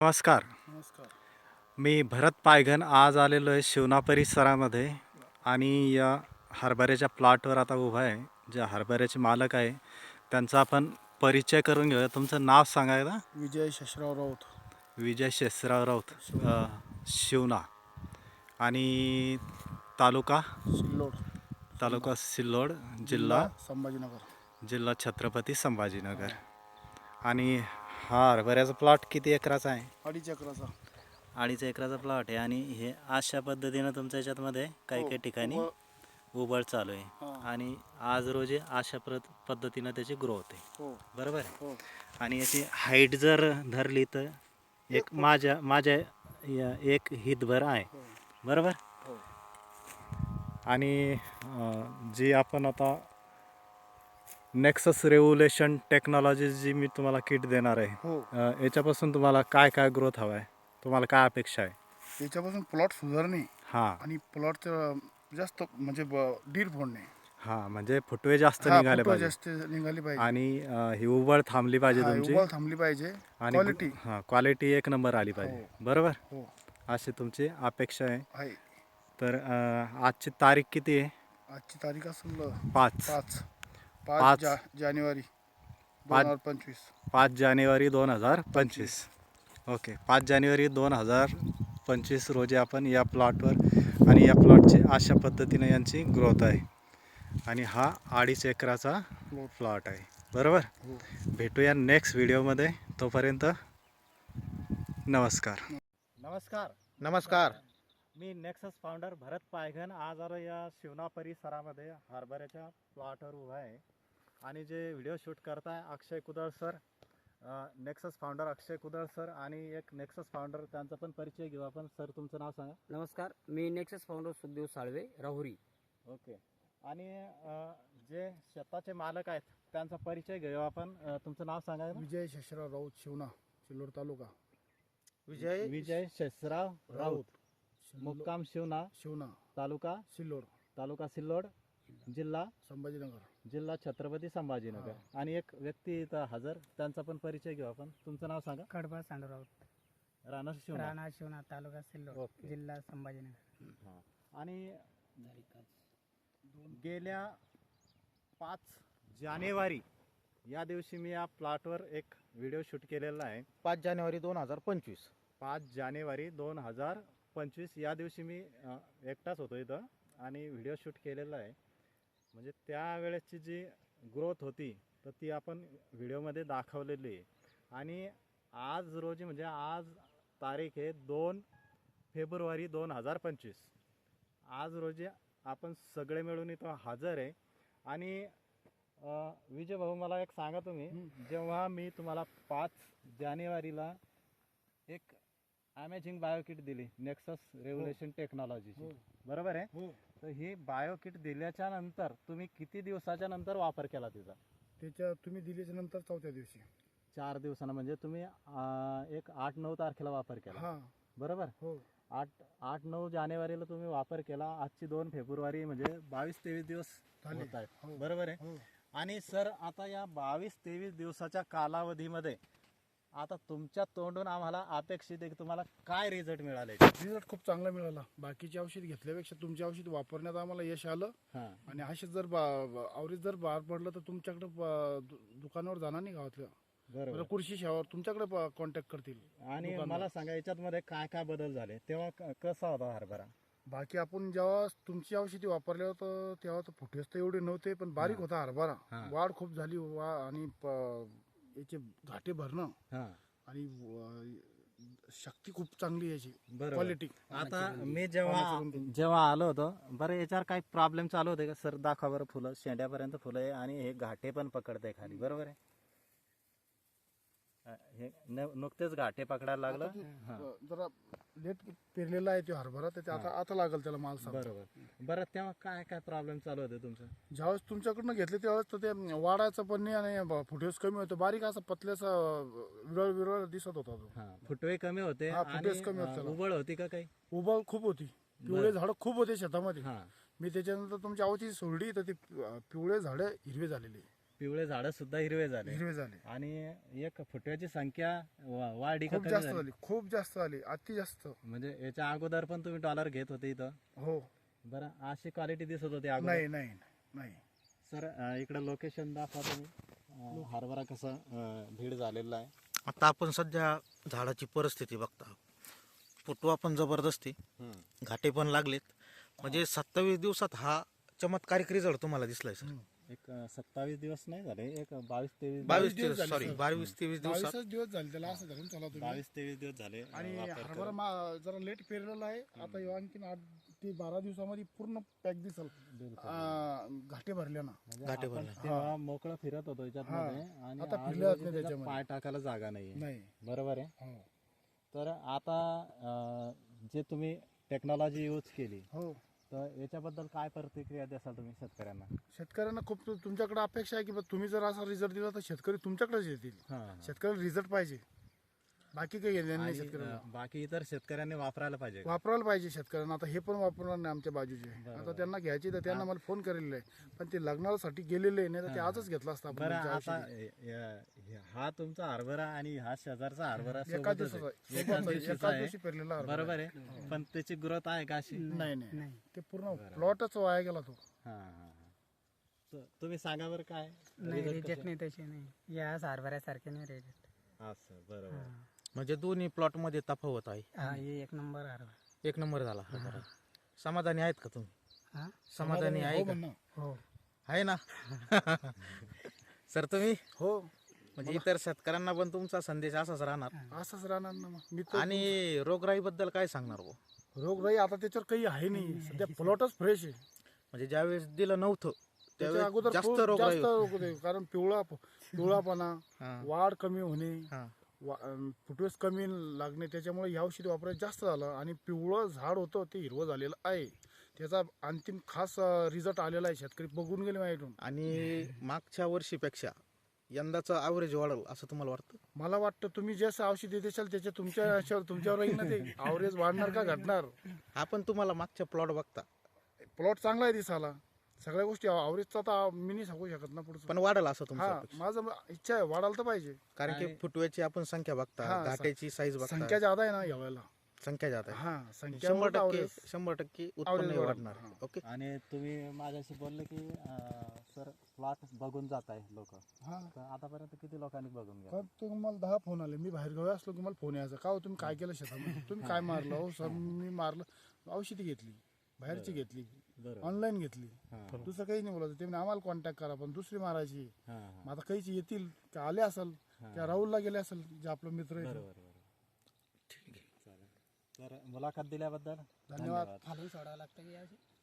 नमस्कार. नमस्कार. मी भरत पायघन आज आलेलो आहे शिवना परिसरामध्ये आणि या हरभऱ्याच्या प्लॉटवर आता उभा आहे. जे हरभऱ्याचे मालक आहे त्यांचा आपण परिचय करून घेऊया. तुमचं नाव सांगायला? विजय शशराव राऊत, विजय शेषराव राऊत, शिवना. शिवना. आणि तालुका सिल्लोड, तालुका सिल्लोड, जिल्हा संभाजीनगर. जिल्हा छत्रपती संभाजीनगर. हो. आणि हा हरभऱ्याचा प्लॉट किती एकराचा आहे? 2.5 एकराचा. 2.5 एकराचा प्लॉट आहे. आणि हे अशा पद्धतीनं तुमच्या याच्यातमध्ये काही हो, काही ठिकाणी उभं. उबळ चालू आहे. हां. आणि आज रोजी अशा पद्धतीनं त्याची ग्रोथ आहे. हो, बरोबर आहे. हो. आणि याची हाईट जर धरली तर एक माझ्या एक हितभर आहे. हो, बरोबर. हो. आणि जी आपण आता नेक्सस रेव्होल्युशन टेक्नॉलॉजी जी मी तुम्हाला किट देणार आहे, हो. याच्यापासून तुम्हाला काय काय ग्रोथ हवा आहे, तुम्हाला काय अपेक्षा आहे? याच्यापासून प्लॉट सुधारणे हां आणि प्लॉटचं जास्त म्हणजे डीर फोडणे. हां, म्हणजे फुटवे जास्त हा, निघाले फुटवा पाहिजे. जास्त निघाली पाहिजे. आणि ही उबळ थांबली पाहिजे हा, तुमची. उबळ थांबली पाहिजे. आणि क्वालिटी. क्वालिटी एक नंबर आली पाहिजे. हो. बरोबर. हो, अशी तुमची अपेक्षा आहे. आहे. तर आजची तारीख किती आहे? आजची तारीख असेल 5 5 5 जानेवारी 5 2025. 5 जानेवारी 2025. ओके. 5 जानेवारी 2025 रोजी आपण या प्लॉटवर आणि या प्लॉटची अशा पद्धतीने यांची ग्रोथ आहे. आणि हा 2.5 एकराचा प्लॉट आहे. बरोबर. हो. भेटूया नेक्स्ट व्हिडिओमध्ये. तोपर्यंत नमस्कार. नमस्कार. नमस्कार. मी नेक्सस फाउंडर भरत पायघन आज आलो या शिवना परिसरामध्ये हरभऱ्याच्या प्लॉटवर उभा आहे. आणि जे व्हिडिओ शूट करताय अक्षय कुदळ सर, नेक्सस फाउंडर अक्षय कुदळ सर. आणि एक नेक्सस फाउंडर त्यांचा पण परिचय घेऊ आपण. सर तुमचं नाव सांगा. नमस्कार, मी Nexus founder Sukhdev Salve, Rahuri. Okay. आणि जे शेताचे मालक आहेत त्यांचा परिचय घेऊ आपण. तुमचं नाव सांगा. विजय शशराव राऊत, शिवना, सिल्लोड तालुका. विजय शेषराव राऊत, मुक्काम शिवना, शिवना, तालुका सिल्लोड, जिल्हा संभाजीनगर. छत्रपती संभाजीनगर. आणि एक व्यक्ती इथं हजर, त्यांचा पण परिचय घेऊ आपण. तुमचं नाव सांगा. कडबा सांडराऊत, राणा शिवना. राणा शिवना, तालुका सिल्लोड, ओके. जिल्हा संभाजीनगर. हां. आणि गेल्या 5 जानेवारी या दिवशी मी या प्लॉटवर एक व्हिडिओ शूट केलेला आहे. 5 जानेवारी 2025. 5 जानेवारी 2025 या दिवशी मी एकटाच होतो इथं आणि व्हिडिओ शूट केलेला आहे. म्हणजे त्यावेळेसची जी ग्रोथ होती तर ती आपण व्हिडिओमध्ये दाखवलेली आहे. आणि आज रोजी म्हणजे आज तारीख आहे 2 फेब्रुवारी 2025. आज रोजी आपण सगळे मिळून इथं हजर आहे. आणि विजय भाऊ मला एक सांगा तुम्ही, जेव्हा मी तुम्हाला 5 जानेवारीला एक अमेझिंग बायोकिट दिली नेक्सस रेव्होल्युशन टेक्नॉलॉजीची, बरोबर आहे. हो. तर ही बायोकिट दिल्याच्या नंतर तुम्ही किती दिवसाच्या नंतर वापर केला तिचा? त्याच्या तुम्ही दिल्याच्या नंतर 4थ्या दिवशी. 4 दिवसानं म्हणजे तुम्ही एक 8-9 तारखेला वापर केला, हा. बरोबर. हो. 8-9 जानेवारीला तुम्ही वापर केला. आजची 2 फेब्रुवारी म्हणजे 22-23 दिवस झाले. होत आहेत, हो. बरोबर आहे. हो. आणि सर आता या 22-23 दिवसाच्या कालावधीमध्ये आता तुमच्या तोंडून आम्हाला अपेक्षित आहे की तुम्हाला काय रिझल्ट मिळाले? रिझल्ट खूप चांगला मिळाला. बाकीचे औषध घेतल्यापेक्षा तुमचे औषध वापरण्यात आम्हाला यश आलं. हां. आणि असे जर आवरीत जर बाहेर पडलं तर तुमच्याकडे दुकानावर जाणार नाही गावातल्या. बरोबर. कृषी सेवावर तुमच्याकडे कॉन्टॅक्ट करतील. आणि दुकानावर. मला सांगा याच्यात काय काय बदल झाले तेव्हा कसा होता हरभरा? बाकी आपण जेव्हा तुमची औषधी वापरले होतं तेव्हा तर फुटेज तर एवढे नव्हते, पण बारीक हा. होता हरभरा. हा. वाढ खूप झाली. आणि याचे घाटे भरणं हां. आणि शक्ती खूप चांगली याची. बरोबर. क्वालिटी. आता मी जेव्हा आलो होतो, बरं याच्यावर काही प्रॉब्लेम चालू होते का सर? दाखवा बरं. फुलं शेंड्यापर्यंत फुलं आहे आणि हे घाटे पण पकडते खाली, बरोबर आहे. हे नुकतेच घाटे पकडायला लागलं. हां. जरा लेट पेरलेला आहे तो हरभरा, तर ते आता लागेल त्याला माल सांग. बरोबर. बरं तेव्हा काय काय प्रॉब्लेम चालू होते तुमचं? ज्यावेळेस तुमच्याकडनं घेतले त्यावेळेस तर ते वाढायचं पण नाही आणि फुटेज कमी होतं. बारीक असा पतल्याचा विरळ दिसत होता तो. हां. फुटवे कमी होते हा, आणि फुटेज कमी होते त्याला. उबळ होती का काही? उबळ खूप होती. पिवळे झाडं खूप होते शेतामध्ये. हां. मी त्याच्यानंतर तुमची आवची सोडली तर ते पिवळे झाडं हिरवे झालेले. पिवळे झाडं सुद्धा हिरवे झाले हिरवे झाले, आणि एक फुटव्याची संख्या वाढी का खूप कमी जास्त झाली? झाली, खूप जास्त झाली, अति जास्त. म्हणजे याच्या अगोदर पण तुम्ही डॉलर घेत होते इथं? हो. बरं, अशी क्वालिटी दिसत होती अगोदर? नाही नाही नाही. सर इकडं लोकेशन दाखवा तुम्ही. हरभरा कसा भीड झालेला आहे. आता आपण सध्या झाडाची परिस्थिती बघता, फुटवा पण जबरदस्ती, घाटे पण लागलेत. म्हणजे 27 दिवसात हा चमत्कारिक रिझल्ट तुम्हाला दिसलाय सर. एक 27 दिवस नाही झाले, एक 22-23 22 दिवस झाले, सॉरी सर. 22-23 दिवसात 22 दिवस झाले त्याला, असं धरून चला तुम्ही. 22-23 दिवस झाले आणि वापर हरभरा करून. जरा लेट पेरलेला आहे. आता ह्यो आणखीन 8 ते 12 दिवसामध्ये पूर्ण पॅक दिसल, घाटे भरल्यानं. म्हणजे घाटे आपण भरले. तेव्हा मोकळं फिरत होतो याच्यामध्ये, आणि आता आज फिरले जात रोजी नाही त्याच्यात त्याच्यामध्ये. पाय टाकायला जागा नाही. नाही. बरोबर आहे. हो. तर आता जे तुम्ही टेक्नॉलॉजी यूज केली, हो. तर याच्याबद्दल काय प्रतिक्रिया द्याल तुम्ही शेतकऱ्यांना? शेतकऱ्यांना खूप तुमच्याकडे अपेक्षा आहे की बा तुम्ही जर असा रिझल्ट दिला तर शेतकरी तुमच्याकडेच येतील. शेतकऱ्याला रिझल्ट पाहिजे, बाकी काही घेणं नाही शेतकऱ्याला. बाकी इतर शेतकऱ्यांनी वापरायला पाहिजे. वापरायला पाहिजे शेतकऱ्यांना. आता हे पण वापरणार नाही आमच्या बाजूचे. बरोबर. आता त्यांना घ्यायची तर त्यांना मला फोन करेल आहे, पण ते लग्नासाठी गेलेले नाही तर ते आजच घेतला असता आपण बरं, त्यांच्या आता औषधी. हा तुमचा हरभरा आणि हा शेजारचा हरभरा एका सोबतच दिवसाचा आहे. एकाच दिवशीचा एकाच आहे. दिवशी पेरलेला हरभरा. बरोबर आहे. पण त्याची ग्रोथ आहे का अशी? नाही नाही नाही. ते पूर्ण प्लॉटच वाया गेला तो. हा हा हा. तुम्ही सांगा बरं काय नाही, result रिजेक्ट कसं? नाही तसे नाही. या सारभऱ्यासारखे नाही रिजेक्ट. असं बरोबर. म्हणजे दोन्ही प्लॉट मध्ये तफावत आहे. हा, हे एक नंबर हरभरा. 1 नंबर झाला हरभरा. समाधानी आहेत का तुम्ही? हा, समाधानी आहे का? म्हणणं. हो. आहे ना? सर तुम्ही हो, म्हणजे इतर शेतकऱ्यांना पण तुमचा संदेश असाच राहणार. असंच राहणार ना मग. मी तर आणि रोगराई बद्दल काय सांगणार भाऊ? रोगराई आता त्याच्यावर काही आहे नाही सध्या, प्लॉटच फ्रेश आहे. म्हणजे ज्यावेळेस दिलं नव्हतं त्याच्या त्यावेळेस अगोदर जास्त खूप रोगराई जास्त रोग होते. कारण पिवळापणा, हा, वाढ कमी होणे, हा. फुटवेस कमी लागणे, त्याच्यामुळे ह्या औषधी वापरायचं जास्त झालं. आणि पिवळं झाड होतं ते हिरवं झालेलं आहे. त्याचा अंतिम खास रिझल्ट आलेला आहे. शेतकरी बघून गेले माझ्याकडून. आणि मागच्या वर्षीपेक्षा यंदाचं ॲव्हरेज वाढेल असं तुम्हाला वाटतं? मला वाटतं तुम्ही जसं औषधी देशाल त्याच्या तुमच्यावर राहील ना ते. आवरेज वाढणार का घटणार. आपण तुम्हाला मागच्या प्लॉट बघता प्लॉट चांगला आहे दिसाला, सगळ्या गोष्टी आवरेजचा तर मी नाही सांगू शकत ना पुढचं. पण वाढेल असं तुमचं हा, अपेक्षा? माझं इच्छा आहे वाढायला तर पाहिजे. कारण की फुटव्याची आपण संख्या बघता, हा, घाट्याची साईज बघता, संख्या ज्यादा आहे ना या वेळेला. संख्या जात आहे. हा, संख्या 100% उत्पन्न average वाढणार. हा. ओके. आणि तुम्ही माझ्याशी बोलले की सर प्लॉट बघून जात आहे लोक, हा. तर आतापर्यंत किती लोकांनी बघून घ्या? पण तुम्हाला 10 फोन आले. मी बाहेर गावी असलो की मला फोन यायचा, का हो तुम्ही काय केलं शेतामध्ये, तुम्ही काय मारलं. हो सर मी मारलं, औषधी घेतली, बाहेरची घेतली, बरोबर. ऑनलाईन घेतली, हा, दुसरं काही नाही बोलायचं. ते म्हणे आम्हाला कॉन्टॅक्ट करा, पण दुसरी मारायची. हा, मग आता काहीच येतील का आले असेल त्या राहुलला गेले असेल जे आपलं मित्र आहे. बरोबर बरोबर. ठीक आहे, चालेल. तर मुलाखत दिल्याबद्दल धन्यवाद. खाली सोडावं लागतं की याची?